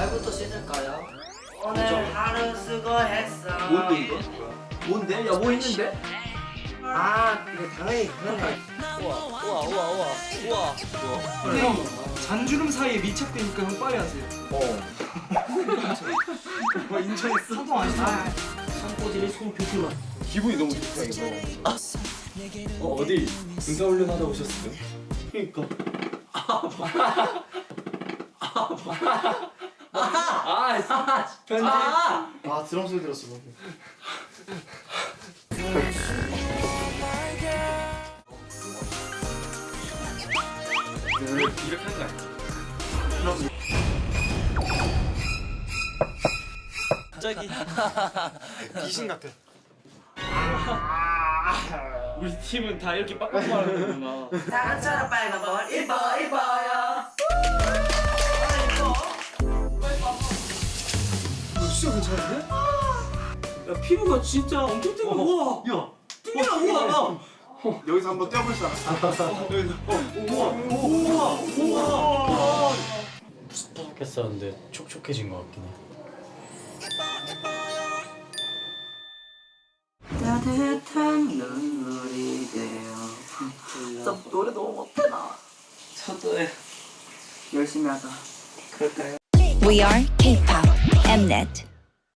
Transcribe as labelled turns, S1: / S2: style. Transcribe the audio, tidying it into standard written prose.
S1: 말부터 씻을까요? 오늘 하루 수고했어.
S2: 뭔데 이거? 뭔데? 야 뭐 있는데?
S1: 아 이거 당연히 그거네. 우와.
S3: 형 잔주름 사이에 밀착되니까 형 빨리 하세요. 뭐 인천했어? 한동 아니야?
S1: 산꼬질이 손표기만.
S4: 기분이 너무 좋다 이거. 어디 군사훈련 하다 오셨어요?
S2: 그니까 편지
S3: 아 드럼 소리 들었어 방금.
S4: 이렇게 하는 거 아니야?
S1: 갑자기
S3: 귀신 같아.
S4: 우리 팀은 다 이렇게 빡빡 말하는구나.
S1: 사과처럼 빨간 걸 입어요.
S3: 진짜 괜찮은데?
S2: 야 피부가 진짜 엄청 뜨거워. 우와 야 뚱이야 우와
S3: 여기서 한번 떼어볼 사람.
S5: 촉촉했었는데 촉촉해진 것 같긴 해.
S1: 따뜻한 눈물이 돼요. 저 노래 너무 못해 나.
S2: 저도 해
S1: 열심히 하자.
S6: We are K-pop Mnet.